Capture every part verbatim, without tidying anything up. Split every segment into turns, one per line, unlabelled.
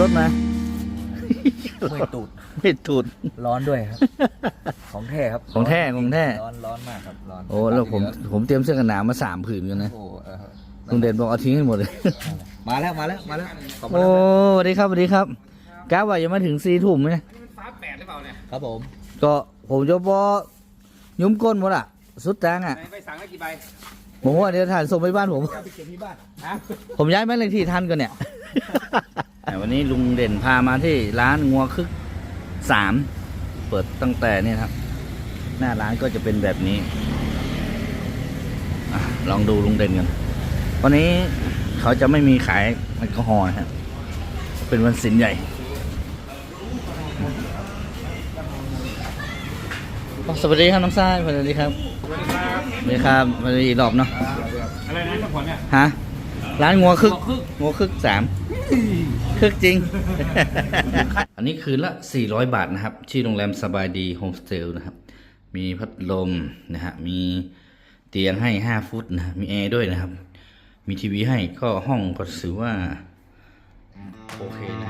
รถมา
ไม่ตูด
ไม่ตูด
ร้อนด้วยครับของแท้ครับ
ของแท้ของแท้
ร้อนร้อนมากครับร้อน
โอ้แล้วผมผมเตรียมเสื้อกันหนาวมาสามผืนกันนะลุงเด่นบอกเอาทิ้งให้หมดเลย
มาแล้วมาแล้วมาแล้ว
โอ้สวัสดีครับสวัสดีครับก้าวว่ายังมาถึงสี่ทุ่มไหม
ฟ้าแปดหรือเปล่าเนี่ยครับผม
ก็ผมจะบอยุ้มก้นหมดอ่ะสุดแตงอ่ะ
ไปสั่งได้กี่ใบ
ผมว่าเดี๋ยวถ่ายส่งไปบ้านผม
ไปเก็บที่บ้าน
ผมย้ายบ้านเลขที่ทันกันเนี่ยวันนี้ลุงเด่นพามาที่ร้านงัวคึกสามเปิดตั้งแต่เนี่ยครับหน้าร้านก็จะเป็นแบบนี้ลองดูลุงเด่นกันวันนี้เขาจะไม่มีขายแอลกอฮอล์นะครับเป็นวันศิลป์ใหญ่สวัสดีครับน้องทรายสวัสดีครับสวัสดีครับสวัสดีครับสวัสดีรอบเนาะ
อะไรนะทุกคนเนี่ย
ฮะร้านงัวคึกงัวคึกสามคึกจริง อันนี้คืนละสี่ร้อยบาทนะครับที่โรงแรมสบายดีโฮมสเตย์นะครับมีพัดลมนะฮะมีเตียงให้ห้าฟุตนะมีแอร์ด้วยนะครับมีทีวีให้ก็ห้องก็ถือว่าโอเคนะ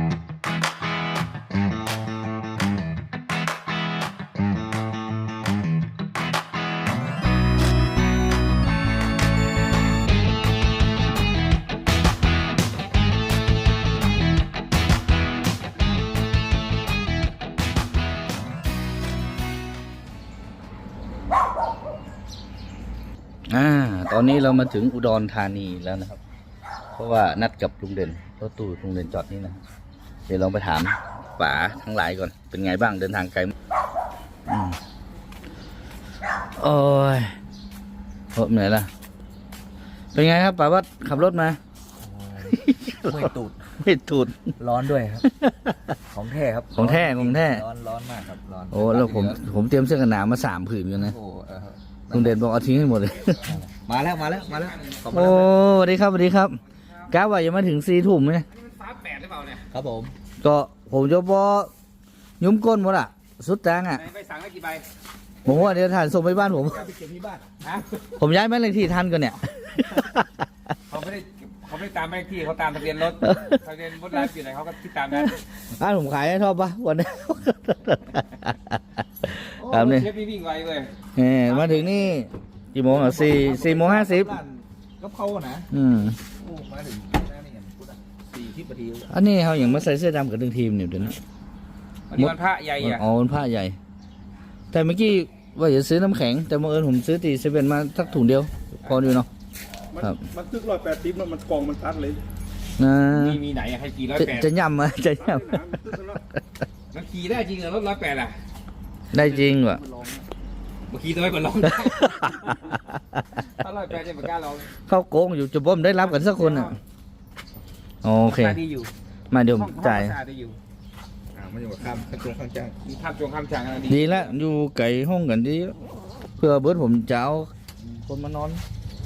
อ่าตอนนี้เรามาถึงอุดรธานีแล้วนะครับเพราะว่านัดกับลุงเด่นรถตู้ลุงเด่นจอดนี่นะเดี๋ยวลองไปถามป๋าทั้งหลายก่อนเป็นไงบ้างเดินทางไกลอืมโอ้ยรถเหนื่อยละเป็นไงครับป๋าวัดขับรถมา
ไม่ตูด
ไม่ตูด
ร้อนด้วยครับของแท้ครับ
ของแท้ของแท้
ร้อนร้อนมากครับร้อน
โอ้แล้วผมผมเตรียมเสื้อกันหนาวมาสามผืนกันนะลุงเด่นบอกเอาทิ้งให้หมดเลย
มาแล้วมาแล้วมาแล้ว
โอ้สวัสดีครับสวัสดีครับก้าวว่ายังมาถึงสี่ทุ่มไหม
ฟ้าแปดหรือเปล่าเนี่ยครับผม
ก็ผมจะบอยุ้มก้นหมดอ่ะสุดแตงอ่ะ
ไปสั่งได้กี่ใบ
ผมว่าเดี๋ยวถ่ายส่งไปบ้านผม
ไปเก็บที่บ้าน
ผมย้ายบ้านเลขที่ทันกันเนี่ย
เขาไม่ได้เขาไม่ตามบ้านเลขที่เขาตามทะเบียนรถทะเบียนรถไลฟ์อยู่ไหนเขาก็ที่ตามนั้น
บ้านผมขายให้ชอบปะวันนี้
ครับนี่เชฟวิ่งไวเลย
เออมาถึงนี่กี่โมงอ่ะสี่สี่โมงห้าสิบ
ก็เข้านะ
อืม
มาถึงสี่ทิพย์นาที
อันนี้เขาอย่างมาใส่เสื้อดำกับดึงทีมเนี่ยเดี๋ยวนี้
วันนี้วันพระใหญ่อ่ะ
อ๋อวันพระใหญ่แต่เมื่อกี้ว่าจะซื้อน้ำแข็งแต่บังเอิญผมซื้อตีเซเว่นมาสักถุงเดียวพออยู่เนาะ
ครับมันตึกร้อยแปดสิบแล้วมันกองมันตัดเลย
นะ
มีมีไหนอะให้กี่ร้อยแปด
จะย่ำมาจะย่ำ
มันขี่ได้จริงเหรอรถร้อยแปดอ่ะ
ได้จริงวะ
เมื่อกี้น้อยกว่าลองถ้าร้อยแปดจะเหมือนกันเรา
เข้าโกงอยู่จะบ่มได้รับกันสักคนอ่ะโอเคมาเดี๋ยวจ่าย
มันอยู่ข้ามจงข้ามจางมีข้ามจงข้ามจางอะไร
ดีแล้วอยู่ไก่ห้องกันดีเพื่อเบิร์ดผมจะเอาคนมานอน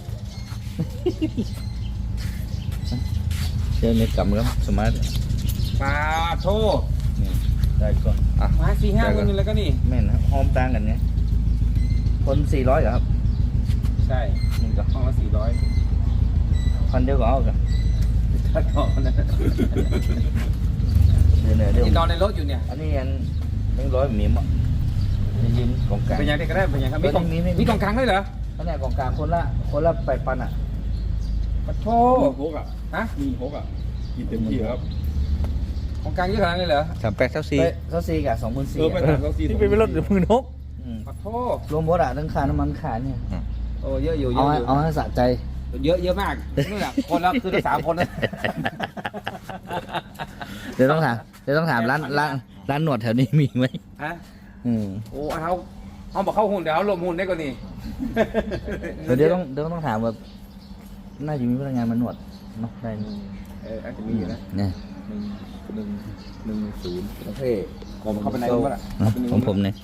เจอในกำครับสมาร์ท
ปลาโท
ได้ก่อน
อ่ะมาสี่ห้าคนนึงแล้วก็นี่
แม่นครับหอมต่างกันไงคนสี่ร้อยเหรอครับ
ใช่หนึ่งกับห้องละสี่ร้อย
พันเดียวก็เอากัน
ถ้าต่อนะ
เดี๋ยวเดี๋ยว
นอนในรถอยู่เนี่ย
อันนี้อันหนึ่งร้อยมีมั้งยิ้มของกลาง
เป็นยังไงก็ได้เป็นยังไงมีกล่องมีกล่องกลางด้วยเหรอ
อันนี้กล่องกลางคนละคนละไปปันอ่ะ
ปะโถ
หกอ่ะ
ฮะ
มีหกอ่ะกินเต็มที่ครับ
ของกลางเยอะขนาดนี้เหรอ
สามแปดเท่าสี่เท่าสี่กับสองหมื่นสี่
เออไปสามเท่าสี่
ที่เป็นรถหรือมือนก
ปะโถ
รวมหมดอ่ะทั้งค่าน้ำมันค่าเนี่ย
โอ้เยอะอยู่เย
อะ
อยู่
เอาให้สะใจ
เยอะเยอะมากนี่แหละคนละคือสามคนเลย
เดี๋ยวต้องถามเดี๋ยวต้องถามร้านร้านร้านหนวดแถวนี้มีไหม
ฮะ
อืม
โอ้เขาเขาบอกเข้าหุ่นเดี๋ยวเขาลมหุ่นได้กว่านี้
เดี๋ยวต้องเดี๋ยวต้องถามว่าน่าจะมีพนักงานมาหนวดเนาะได้
เอออาจจะมีอยู่นะ
เนี่ย
หนึ่งหนึ่งหนึ่งศูนย์ประเทศผมเข้าไปในนู้นละ
ของผมเนี่ย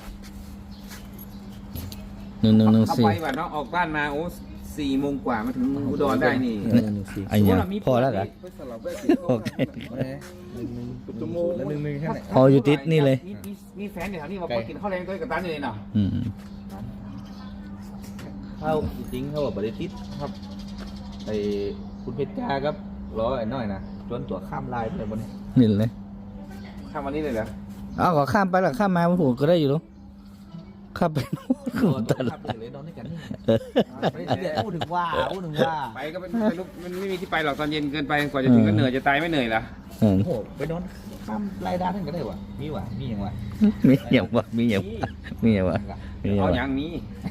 หนึ่งหนึ่งหนึ่งสี่
เข้าไปแบบน้องออกบ้านมาโอ้สี่โมงกว่ามาถึงอุดรได้นี่
ไอ้เนี่ยพอแล้วเหรอโอเค
ชั่วโมงละหนึ่งหนึ่งแค่ไหน
พออยู่ติดนี่เลย
มีแฟนอยู่แถวนี้มากินข้าวแรงด้วยกับตั้นอยู่เลยเนาะ
เข้าจริงเขาบอกบริษัทครับไอ้คุณเพชรจ้าครับรอไอ้น้อยนะจนตัวข้ามลายไปเลยบนนี้
นี่เลย
ข้ามวันนี้เลยเหรอ
เอาก็ข้ามไปหรอข้ามมาผมก็ได้อยู่แล้วข้ามไปนู่นตลาด
เลยนอนด้วยกันนี่
เออ
พูดถึงว่าพูดถึงว่า
ไปก็เป็นไม่รู้มันไม่มีที่ไปหรอกตอนเย็นเกินไปกว่าจะถึงก็เหนื่อยจะตายไม่เหนื่อยเหรอ
เออ
โอ้โหไปนอนข้ามรายได้ทั้งกันได้วะมีวะมีอย่างวะ
มีอย่างวะมีอย่างวะมีอย่างวะมีอย่าง
เอา
วะ
อย่างนี้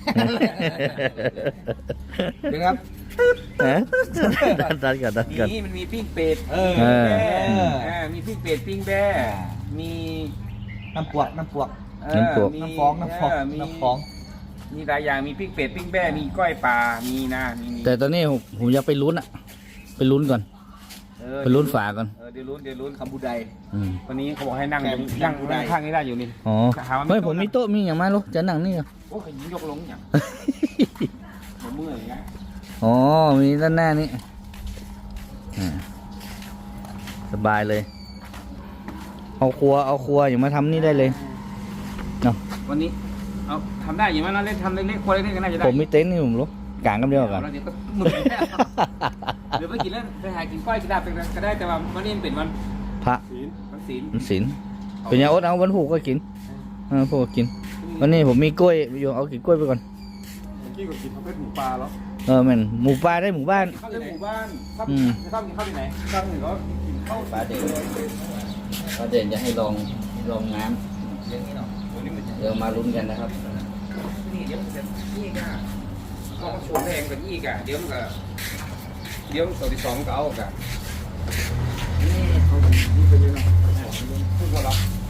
เดี๋ยวครับ
ฮะตัดตัดกันตัดกัน
นี่มันมีปิ้งเป็ด
เออ
เออ
แบ่อ่ามีปิ้งเป็ดปิ้งแบ่มี
น้ำปวกน้ำปวก
เอ่อมี
น้ำฟองน้ำฟอง
เมี
น้ำฟอง
มีหลายอย่างมีปิ้งเป็ดปิ้งแบ่มีก้อยปลามีนะมีมี
แต่ตอนนี้ผมผมอยากไปลุ้นอะไปลุ้นก่อน
เออ
ไปลุ้นฝาก่อน
เออเดี๋ยวลุ้นเดี๋ยวลุ้น
คำบูได
อืม
วันนี้เขาบอกให้นั่ง
แก
ตรง
ง
นั่ง
ได้
นั่งข้างนี้ได้อยู่นี่
อ๋อ
ถามว่ามี
เฮ้ย
โต๊ะ
ผมมีโต๊ะมีอย่างมาลูกจะนั่งนี่เหรอ
โอ้ยยกลงอย่างผมเมื่อยอย่างเงี้ย
อ๋อมีด้านหน้านี่อ่าสบายเลย เอาครัวเอาครัวอย่ามาทำนี่ได้เลยเนาะ
วันนี้เอาทำได้อยู่ไหมนะเล่นทำเล็กๆคนเล็กๆก็น่าจะได้
ผมมีเต็นท์นี่ผมรู้กางกันเดียวกัน
แล้วเดี๋ยวก็หมึกแน่เดี๋ยวไปกินแล้วไปหากินก้อยกินลาบเป็นก็ได้แต่ว่าวันนี้มันเป็นวัน
พระ
ศีล
วันศีล
มันศีลเป็นยังอดเอาวันผูกก็กินเออผูกก็กิน วันนี้ผมมีกล้วยอยู่เอากินกล้วยไปก่อน
เมื่อกี้ก็กินประเภทหมูปลาแล้ว
เออแม่นหมูปลาได้หมู่บ้าน
เข้าในหมู่บ้านเข้า
อืม
เข้ากินข้าวที่ไหน
ตั้งหนึ่งก็กินข้าว
ปลาเด่นปลาเด่นจะให้ลองลองน้
เรื่องนี้เนาะวันนี้มันจะ
ำเดี๋ยวมาลุ้นกันนะครับ
นี่เดี๋ยวมันจะยี่กะก็มาชวนแรงกันยี่กะเดี๋ยวมันก็เดี๋ยวตัวที่สองมันก็เอากะนี่เขานี่ไปเลยเนาะพูดว่าเรา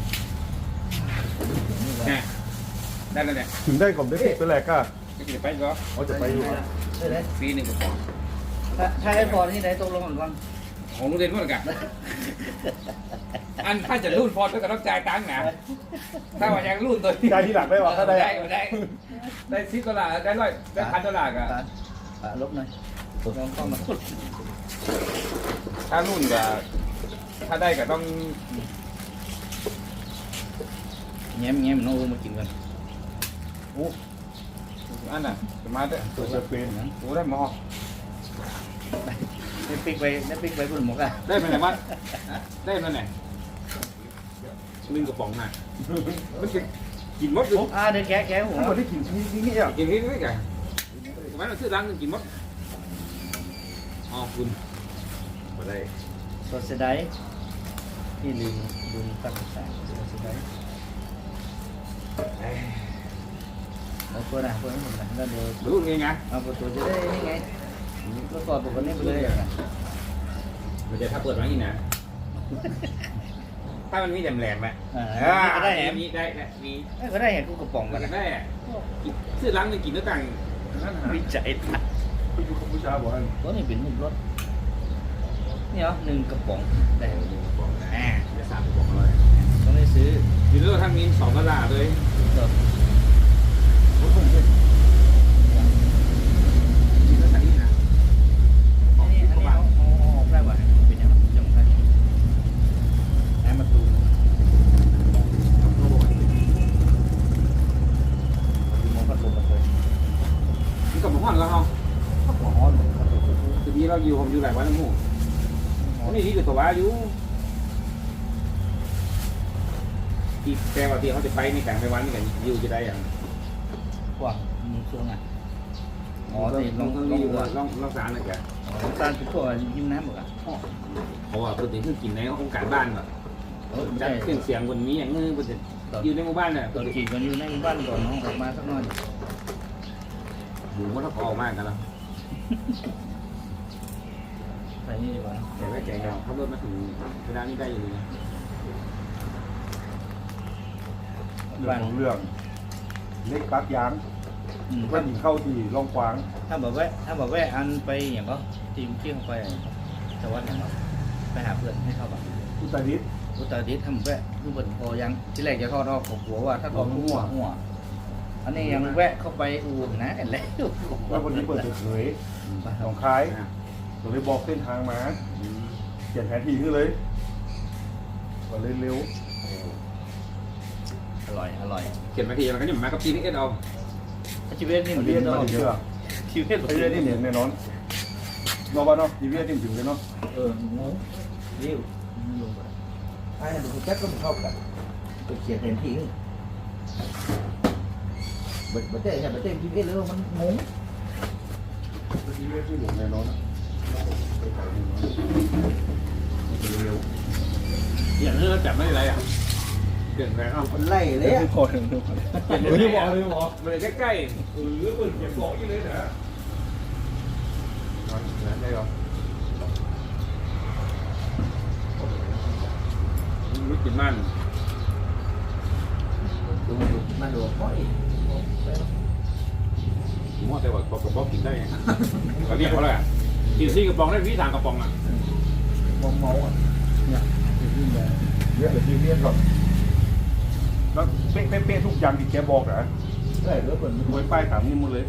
เนี่ยได้แล้วเนี่ย
ถึงได้ก่อนได้ติดไปแหลกก็
จะกินไปก็
เขาจะไปอยู่
ปีหนึ่งก็พอ
ถ้าไอ้พอที่ไหนตกลงกันก่อน
ของลูกเรียนว่ากันอันถ้าจะรุ่นพอก็ต้องจ่ายตังค์นะถ้าว่ายังรุ่นตัว
ได้ที่หลักได้หรอถ้าได้
ได้ได้ได้สิบดอลลาร์ได้ร้อยได้พันดอลลาร์กะ
ปลาลบหน่อยลองเข้ามา
ถ้ารุ่นก็ถ้าได้ก็ต้อง
แง้มแง้มน้องอูมากินกัน
โอ้อันน่ะจะมาได้
ตัวจะเป็น
โอ้ได้หมอ
ได้ปิ๊กไปได้ปิ๊กไปคุณหมกอ่ะ
ได้ไปไหนมาได้มาไหนนึ่งกระป๋องน่ะมันจะกินมดอยู่
อ่าเดี๋ยวแกะแกะหัว
ถ้าคนที่กินที่นี่อ่ะ
กินที่นี่กันทำไมเราซื้อร้านนึงกินมดอ๋อคุณมาได้
สดเสียดายที่ลืมลืมตั้งแต่สดเสียดายเอาตัวไหนตัวนี้หมดเลยแล้วเดี๋ยว
รู้ไงไง
เอาประตูจะได้นี่ไงก็กอดปกติไปเลยอ่ะ
มันจะถ้าเปิดมาอีกนะถ้ามันมีแหลมแหลมไหม
อ่า
อ่า
ก็ได้แหม
มีได้ได้มี
ก็ได้เห็นกูกระป๋อง
มั
กัน นนะ
ได้ซื้อร้านนึงกินด้วยกัน
วิจัย
ไปอยู่กัมพูชาบ่อย
ตัวนี้เป็นหุ่นรถนี่เหรอหนึ่งกระป๋องได้หนึ่งกระป๋องอ่า
จะสามกล่องเลย
ต้องได้ซื้อ
กินด้วยทั้งนี้สองดอลลาร์เลย
เดี๋ยว
รถผมเลยกินด้วยทั้งนี้นะ
อันนี้อันนี้เอาเอาเอาออกได้ป่ะเป็นยังไงยังไงแอมประตูมองพัดลมมาเลย
นี่กับหมูห้อนแล้วเขา
หัวฮ้อนพัดลม
ทีนี้เราอยู่ผมอยู่หลายวันแล้วหมูนี่ที่อยู่ตัวว่าอยู่อีกแต่ว่าที่เขาจะไปในแต่งไปวันนี่กันอยู่จะได้อย่าง
กว้างมึงช่วงไงอ๋อ
ต้
ที่ล
อ
อง ง
ต้อง
ลอง
อยู่
ดูอ่ะ
ลองลองสารหน่อยแก
ตาลเป็นพวกยิ้มน้ำหมดอ่ะ
เพราะว่าปกติคือกินในโครงการบ้านแบบ
เออ
จั
ได้
ดเครื่องเสียงบนนี้อย่างเงี้ยบนอยู่ในหมู่บ้านเนี่ย
ตอนขี่กันอยู่ในบ้านก่อนน้องออกมาสักหน่อย
หมูมันต้องออกมากกันแล้ว
ใส่นี่ดีกว่า
แต่ว่าแกงเราขับรถมาถึงเวลานี้ได้อยู่นะ
เรื่องของเรื่องเล็กปักยาง
อืม
ว่าหญิงเข้าที่ร่องกวาง
ถ้าแบบแวะถ้าแบบแวะอันไปอย่างก็ทีมเที่ยงไปแต่ว่าอย่างก็ไปหาเพื่อนให้เข้าบ้าน
อุตรดิตถ์
อุตรดิตถ์ทำแวะคือเปิดพอยังที่แรกจะทอดออกของหัวว่าถ้าทอดหัวหัวอันนี้ยังแวะเข้าไปอู่นะเห็นแล้ว
ว่าวันนี้เปิดเผยหนองคายผมเลยบอกเส้นทางมาเขียนแผนที่ขึ้นเลยก็เลยเร็ว
อร่อยอร่อย
เขียนมาทีมันก็จะมากับทีนี่เอ็ดเอา
ชีวิตนี่
มั
มัน น
เรี
เรี
ย
ย
น
น
มา
เนาะ
เชื่อ
ชีวิต
ไอ้เรื่องนี่เห็นแน่นอนนอกบ้านเนาะทีวีนี่ถึงเลยเนาะ
เอองูเรียวลงไป
ไอ้ดูแจ็คก็ไม่เข้ากันไปเขียนแผนที่นี่บัดบัดเต้เนี่ยบัดเต้พีเอสเลยมันงง
ที่ไม่ที่หลวงแน่นอนนะไปไกลแน่นอนเร็ว
อย่างนี้เราจับไม่ได้ไรอ่ะเปลี่ยนแปลงเอา
มันไล่เลยอ่ะ
พอถึงทุกคนไม่ได้บอกเลยบอก
มันเลยใกล้
เออเปิดเก็บบอกยี่เลยนะนั้นได้หรอ
ๆรู้กินมัน
ดูดูมันดูค่อย
ผมว่าแต่ว่ากระป๋องกินได้ไงเขาเรียกเขาอะไรอ่ะกินซี่กระป๋องได้พี่สามกระป๋องอ่ะ
มองเมาอ่ะ
เนี่ยเยอะเลยที่เรียนก่อนแล้วเป๊ะเป๊ะเป๊ะทุกอย่างที่แกบอกนะ
ไล่เรือเปิดมัน
ไว้ป้ายถามนี่หมดเลย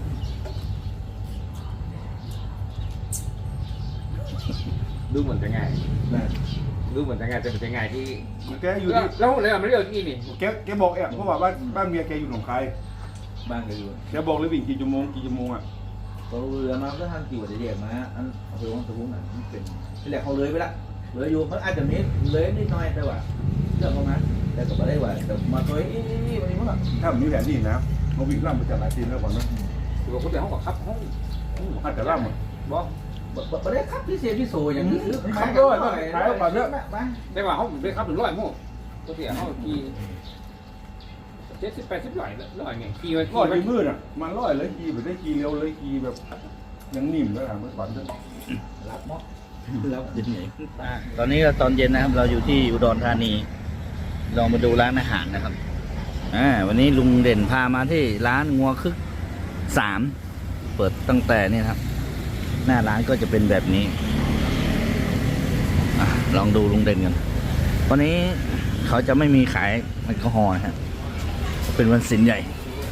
ดูเหมือนจะง่าย
นะ
ดูเหมือนจะง่ายแต่เป็นจะง่ายที่
แกอยู่
แล้ว
ที่
แล้วเลยไม่เรียกที่นี่
แกแกบอกเอ๊ะเพราะว่าบ้านบ้านเมียแกอยู่หนองคาย
บ้านก็อยู่
แกบอกเลยวิ่งกี่ชั่วโมงกี่ชั่วโมงอ่ะ
เขาเรือมาก็ทางกี่วันเดียวมาอันเอาไปวางตะวุ้งอ่ะมันเป็นที่แรกเขาเลยไปละเลยอยู่มันอาจจะมีเลยนิดหน่อยแต่ว่าเรื่องของมันแต่ก็ไม่ได้ว่าแต่มาตัวนี้นี่วันนี้มั้ง
ถ้ามีแผนนี่นะเขาวิ่งล่ำไปจากหลายทีแล้วก่อนนะ
ถือว่าคนเดียวห้องกับครับห้อง
อาจจะล่ำอ่ะ
บอก
ไม่ได้ครับที่เสียพี่โซอย่างนี้
ครับด้วยต้องขายเอาก่อนเถอะ
มา
ได้ว่าห้องได้ครับถึงร้อยมั่วตัวเสียห้องกี่เจ็ดสิบแปดสิบร้อยร้อยไงกี่วัน
ร้อยไปมืดอ่ะมันร้อยเลยกีแบบได้กีเร็วเลยกีแบบยังนิ่มแล้วอ่ะเมื่อก่อนเถอะ
รับเนาะ
แล้วยังไงตอนนี้เราตอนเย็นนะครับ เราอยู่ที่อุดรธานี ลองมาดูร้านอาหารนะครับอ่าวันนี้ลุงเด่นพามาที่ร้านงัวคึกสามเปิดตั้งแต่นี่ครับ หน้าร้านก็จะเป็นแบบนี้อ่ะลองดูลุงเด่นกันวันนี้เขาจะไม่มีขายแอลกอฮอล์นะฮะเป็นวันศีลใหญ่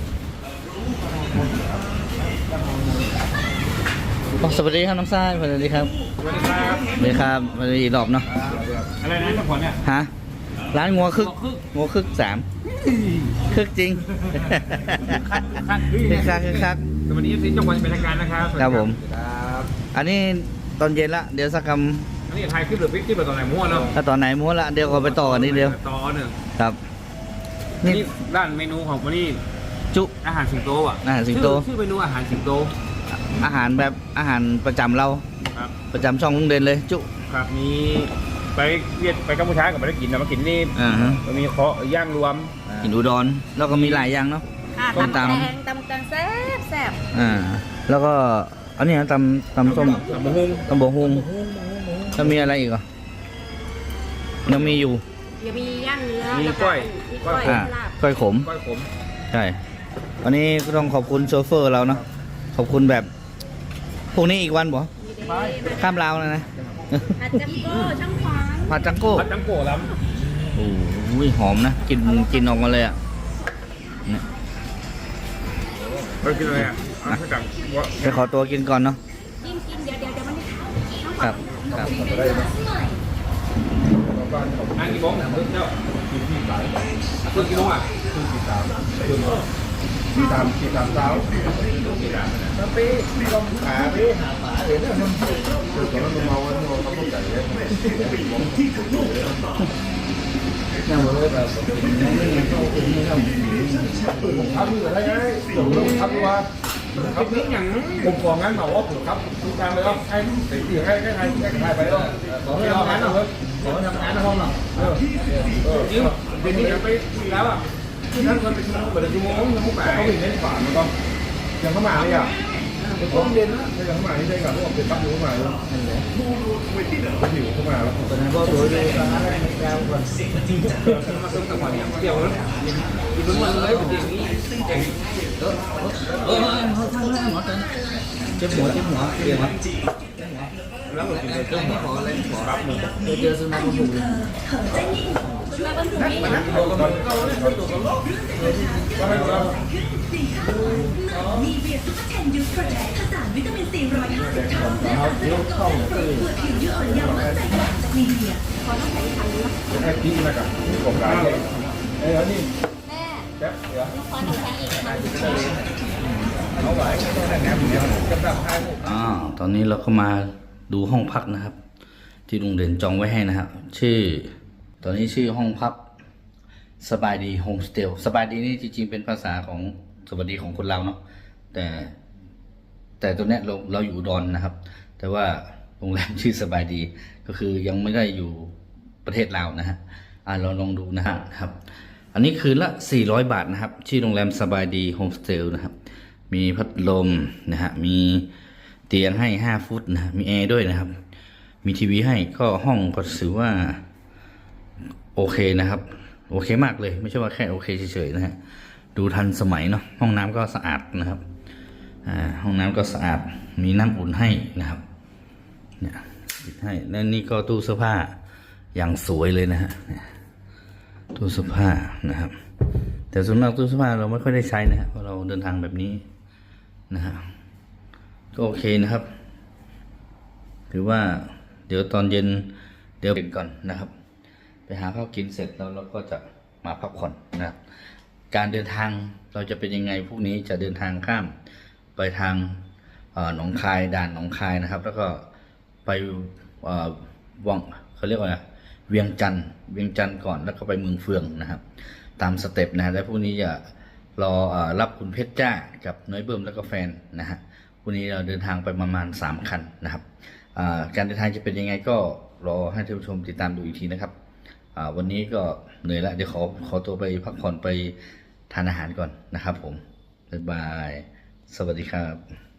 อ๋อสวัสดีครับน้องทรายสวัสดีครับ
สวัสดีครับ
สวัสดีครับสวัสดีอีกรอบเนาะ
อะไรนะทั้งหมดเนี่ย
ฮะร้านงัวคึกงัวคึกสามคึกจริง
คัก
คึกคักคึกคัก
สวัสดีที่จังหวัดเป็นทางการนะครับ
ครับผม
ครับ
อันนี้ตอนเย็นละเดี๋ยวสักค
อันนี้ไทยคลิปหรือพิกคลิปหรือตอนไหนมั่วเนาะ
ำถ้าตอนไหนม้วนละเดี๋ยวก็ไปต่อกันนิดเดียว
ต่อหนึ่ง
ครับ นี่
นี่ด้านเมนูของวันนี้
จุ
อาหารสิงโตอ่ะ
อาหารสิงโต
ชื่อชื่อเมนูอาหารสิงโต
อาหารแบบอาหารประจำเรา
ครับ
ประจำช่องลุงเด่นเลย จุ
ครับมีไปเวียดไปกัมพูชากับไปได้กินนะมากินนี่
อ่าฮะ
มันมีเคาะย่างรวม
กินอุดรแล้วก็มีหลายอย่างเนาะ
ค่ะ
ส้ม
ตำ
ตำ
แตงตำแตงแซ่บแซ่บ
อ่าแล้วก็อันนี้นะตำตำส้ม
ตำมะฮุง
ตำบกฮุงแล้วมีอะไรอีกอ่ะยังมีอยู่
เดี๋ยวมีย่างเนื้อ
มี
แล้ว
กล้วย
มีกล้วย
อ่า
ลาบ
ก้อยขม
ก้อยขม
ใช่ วันนี้ก็ต้องขอบคุณโชเฟอร์เราเนาะ ขอบคุณแบบ พวกนี้อีกวันบ่
มีเดย์
ข้ามลาวนะนะ
ผัดจัมโก้ช่างควาง
ผัดจังโก้
ผัดจังโก้ล้
โอ้ยหอมนะ กินกินออกมาเลยอ่ะเนี่ย
ำไปกินอะไรอ่ะอ่ะจังวะ
ไปขอตัวกินก่อนเนาะ
กินกินเดี๋ยวเดี๋ยวเดี๋ยวมันจะเข้าช่างค
ครั
วา
บ
ง
ครับ
อันกี่โมงเนี่ยเพิ่งเจ้าเพิ่งกี่โมงอ่ะ
ที่ตามที่ตามเท้า
แล้วไปลองขาไปหาหมาเดี๋ยวเนี่ยมัน
ตอนนั้นมันเมาแล้วมันเขาต้องใจเลย
เนี่ยมันเลยแบบน้องนี่เขาเป็นนี่เขา
ผมทำอยู่ได้ไงผมต้องทำดีกว่า
ครับนี่อย่าง
ผมของั้นบอกว่าผมครับทุกการเลยว่าให้ติดให้ให้ใครให้ใครไปแล้ว
ขอให้ทำงานหน่อยขอให้ทำงานในห้องหน่อย
เออเออ
จริงเดี๋ยวนี้ไปคุยแล้วอ่ะนั่นคนไปชั่วโมงเปิดชั่วโมงชั่วโมงแปด
เขาวิ่งเล่นฝ่ามันก็ยังเข้ามาเลยอ่ะ
ผมเรียนนะ
ยังเข้ามาที่ได้ก่อนว่าเป็นปั๊บอยู่เข้ามาแล้วผิวเข้ามาแล้ว
ตอนนั้นก็ตัวเรียนร้านอะไรไม่กล้าก่อน
มาต้มจังหวะเนี่ยเดี๋ยวนะกินมันเลยเป็นอย่างนี้เจ๋ง
เออเขาทำแล้วหมอจันเจ็บหัวเจ็บหัวเรียนวะ
แล้วมันกินเลย
เจ็บหัวอะไรหัวรับมือเจอสุนัขมันบุกเลย
มาบนถุงนี้
มีเบียร์ซุปเปอร์เทนยูโปรเทคผสานวิตามินซีร้อยห้าสิบเท่าและสารสกัดจากเปลือกผิวยืดอ่อนเยาว์มั่นใจกว่าจากมีเบียร์
ขอต้องใช้ทันนะ
ให้พี่นะครับที่ผมร้านเลยเอ้ยนี่
แม่
แจ๊บเดี๋ยว
ลูกขอน้ำแข็งอีกค่ะ
เอาไว้แต่แหนมเดียวกำลังให้
อ่าตอนนี้เราก็มาดูห้องพักนะครับ ที่ลุงเด่นจองไว้ให้นะครับ ชื่อตอนนี้ชื่อห้องพักสบายดีโฮมสเตย์สบายดีนี่จริงๆเป็นภาษาของสวัสดีของคนเราเนาะแต่แต่ตัวเนี้ยเราเราอยู่อุดรนะครับ แต่ว่าโรงแรมชื่อสบายดีก็คือยังไม่ได้อยู่ประเทศลาวนะฮะอ่าเราลองดูนะฮะครับ อันนี้คืนละสี่ร้อยบาทนะครับชื่อโรงแรมสบายดีโฮมสเตย์นะครับมีพัดลมนะฮะมีเตียงให้ห้าฟุตนะมีแอร์ด้วยนะครับมีทีวีให้ก็ห้องก็ถือว่าโอเคนะครับโอเคมากเลยไม่ใช่ว่าแค่โอเคเฉยๆนะฮะดูทันสมัยเนาะห้องน้ำก็สะอาดนะครับอ่าห้องน้ำก็สะอาดมีน้ำอุ่นให้นะครับเนี่ยปิดให้และนี่ก็ตู้เสื้อผ้าอย่างสวยเลยนะฮะตู้เสื้อผ้านะครับแต่ส่วนมากตู้เสื้อผ้าเราไม่ค่อยได้ใช้นะฮะเพราะเราเดินทางแบบนี้นะฮะก็โอเคนะครับถือว่าเดี๋ยวตอนเย็นเดี๋ยวกินก่อนนะครับไปหาข้าวกินเสร็จแล้วเราก็จะมาพักผ่อนนะครับการเดินทางเราจะเป็นยังไงพวกนี้จะเดินทางข้ามไปทางหนองคายด่านหนองคายนะครับแล้วก็ไปวังเขาเรียกว่าไงเวียงจันทร์เวียงจันทร์ก่อนแล้วก็ไปเมืองเฟืองนะครับตามสเต็ปนะแล้วพวกนี้จะรอรับคุณเพชรจ้ากับน้อยเบิ่มแล้วก็แฟนนะฮะพวกนี้เราเดินทางไปประมาณสามคันนะครับการเดินทางจะเป็นยังไงก็รอให้ท่านผู้ชมติดตามดูอีกทีนะครับวันนี้ก็เหนื่อยแล้วเดี๋ยวขอขอตัวไปพักผ่อนไปทานอาหารก่อนนะครับผมบ๊ายบายสวัสดีครับ